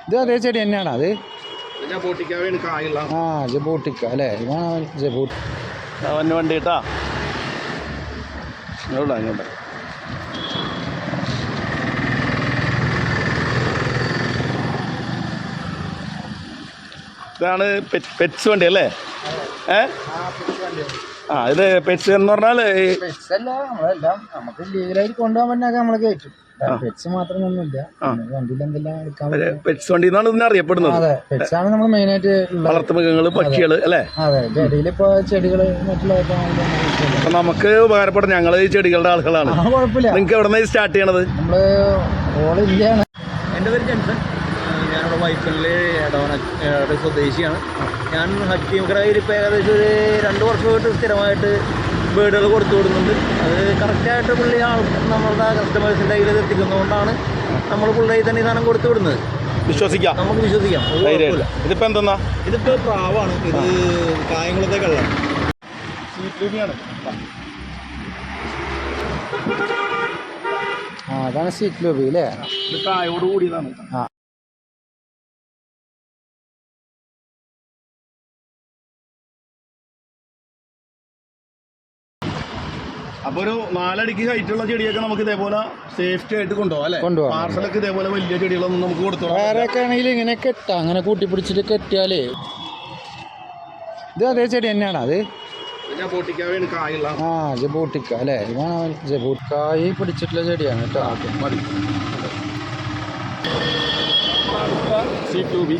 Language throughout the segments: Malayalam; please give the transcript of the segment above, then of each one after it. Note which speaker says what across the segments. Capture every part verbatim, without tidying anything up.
Speaker 1: ഇത് അതേ ചെടി തന്നെയാണ് അത്. ആ ജബോട്ടിക്ക അല്ലേ, ഇതാണ് ജബോട്ടി.
Speaker 2: വണ്ടി കേട്ടാ ഇങ്ങോട്ടാ. ഇതാണ് പെറ്റ്സ് വണ്ടി അല്ലേ? ഏ ആ ഇത് പെറ്റ്സ് എന്ന് പറഞ്ഞാൽ
Speaker 1: നമുക്ക് ലീഗലായിട്ട് കൊണ്ടുപോകാൻ പറ്റുന്ന നമ്മള് കയറ്റും. പെറ്റ്സ് മാത്രമൊന്നുമില്ല, വണ്ടിയിൽ എന്തെല്ലാം എടുക്കാൻ
Speaker 2: പെറ്റ്സ് വണ്ടി എന്നാണ് ഇതിനെ അറിയപ്പെടുന്നത്.
Speaker 1: അതെ, പെറ്റ്സ് ആണ് നമ്മൾ മെയിൻ ആയിട്ട്
Speaker 2: വളർത്തുമൃഗങ്ങള്, പക്ഷികള് അല്ലേ?
Speaker 1: അതെ, ചെടിയിൽ ഇപ്പൊ ചെടികള് മറ്റുള്ള
Speaker 2: നമുക്ക് ഉപകാരപ്പെടും. ഞങ്ങള് ഈ ചെടികളുടെ ആളുകളാണ്.
Speaker 1: കുഴപ്പമില്ല.
Speaker 2: നിങ്ങൾക്ക് എവിടെ നിന്ന് സ്റ്റാർട്ട് ചെയ്യണത്?
Speaker 1: നമ്മള് ഓൾ ഇന്ത്യയാണ്.
Speaker 3: എൻ്റെ പേര് ജെൻസൺ, ഞാനിവിടെ വൈപ്പിനിലെ എടവണ സ്വദേശിയാണ്. ഞാൻ ഹക്കീംകടയിൽ ഇപ്പോൾ ഏകദേശം ഒരു രണ്ട് വർഷമായിട്ട് സ്ഥിരമായിട്ട് ബേഡുകൾ കൊടുത്തു വിടുന്നുണ്ട്. അത് കറക്റ്റായിട്ട് പുള്ളി ആൾ നമ്മളുടെ കസ്റ്റമേഴ്സിൻ്റെ കയ്യിൽ എത്തിക്കുന്നതുകൊണ്ടാണ് നമ്മൾ പുള്ളി തന്നെ ഈ സാധനം കൊടുത്തു വിടുന്നത്.
Speaker 2: വിശ്വസിക്കാം,
Speaker 3: നമുക്ക് വിശ്വസിക്കാം.
Speaker 2: ഇതിപ്പോൾ എന്തെന്നാ?
Speaker 3: ഇതിപ്പോൾ പ്രാവാണ്. ഇത് കായംകുളത്തെ കള്ളാണ്.
Speaker 1: ആ അതാണ് സീറ്റ് ലോബി അല്ലേ?
Speaker 2: ഇത് കായോട് കൂടിയതാണ്.
Speaker 1: ആ
Speaker 2: അപ്പൊ ഒരു നാലടിക്ക് ഹൈറ്റുള്ള ചെടിയൊക്കെ നമുക്ക് ഇതേപോലെ സേഫ്റ്റി ആയിട്ട് കൊണ്ടുപോകാം അല്ലേ?
Speaker 1: കൊണ്ടുപോകാം.
Speaker 2: പാർസലൊക്കെ ഇതേപോലെ വലിയ ചെടികളൊന്നും നമുക്ക് കൊടുത്തു.
Speaker 1: വേറെയൊക്കെ ആണെങ്കിൽ ഇങ്ങനെ കെട്ടാം, അങ്ങനെ കൂട്ടിപ്പിടിച്ചിട്ട് കെട്ടിയാലേ. ഇത് അതേ ചെടി തന്നെയാണ് അത്. ആ ജബോട്ടിക്ക അല്ലേ, ഇതാണ് ജബോട്ടിക്കായി പിടിച്ചിട്ടുള്ള ചെടിയാണ് കേട്ടോ.
Speaker 2: മതി. സി ടു ബി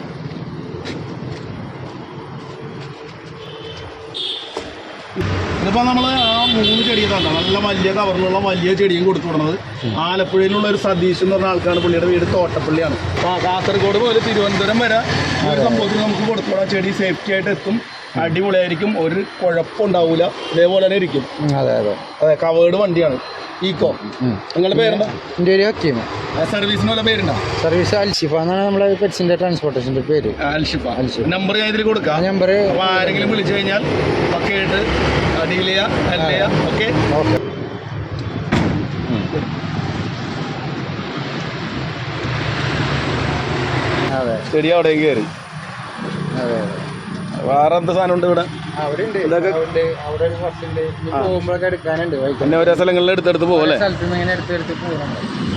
Speaker 2: ഇതിപ്പോ നമ്മള് ആ മൂന്ന് ചെടിയും തന്നെ നല്ല വലിയ കവറിലുള്ള വലിയ ചെടിയും കൊടുത്തു വിടുന്നത് ആലപ്പുഴയിലുള്ള ഒരു സതീഷ് എന്ന് പറഞ്ഞ ആൾക്കാണ്. പുള്ളിയുടെ വീട് തോട്ടപ്പള്ളിയാണ്. അപ്പൊ കാസർഗോഡ് മുതൽ തിരുവനന്തപുരം വരെ ഒരു സംഭവത്തിൽ നമുക്ക് കൊടുത്തു വിടാം. ചെടി സേഫ്റ്റി ആയിട്ട് എത്തും, അടിപൊളിയായിരിക്കും, ഒരു കുഴപ്പമുണ്ടാവൂല, ഇതേപോലെ തന്നെ ഇരിക്കും.
Speaker 1: അതെ അതെ
Speaker 2: അതെ, കവേർഡ് വണ്ടിയാണ്. ഈക്കോ. നിങ്ങളുടെ പേരെന്താ?
Speaker 1: എൻ്റെ ഒരു ഹക്കീമ.
Speaker 2: സർവീസിന് വല്ല പേരുണ്ടോ?
Speaker 1: സർവീസ് അൽഷിഫ എന്നാണ് നമ്മുടെ പെറ്റ്സിന്റെ ട്രാൻസ്പോർട്ടേഷൻ്റെ പേര്.
Speaker 2: അൽഷിഫ. നമ്പർ ഞാൻ ഇതിൽ കൊടുക്കാം.
Speaker 1: നമ്പർ
Speaker 2: അപ്പോൾ ആരെങ്കിലും വിളിച്ചു കഴിഞ്ഞാൽ ഒക്കെ ആയിട്ട് ഡീൽ ചെയ്യാം, ഹെൽപ്പ് ചെയ്യാം. Okay
Speaker 1: okay. അതെ,
Speaker 2: ചെടി അവിടെ കയറി.
Speaker 1: അതെ അതെ.
Speaker 2: വേറെ എന്ത് സാധനം ഉണ്ട് ഇവിടെ?
Speaker 1: അവിടെ ഉണ്ട്, അവിടെ ഒരു ബസ്സുണ്ട്. പോകുമ്പോഴൊക്കെ എടുക്കാനുണ്ട്.
Speaker 2: പിന്നെ ഓരോ സ്ഥലങ്ങളിൽ എടുത്തെടുത്ത് പോകും അല്ലേ?
Speaker 1: സ്ഥലത്ത് നിന്ന് ഇങ്ങനെ എടുത്തെടുത്ത് പോകണം.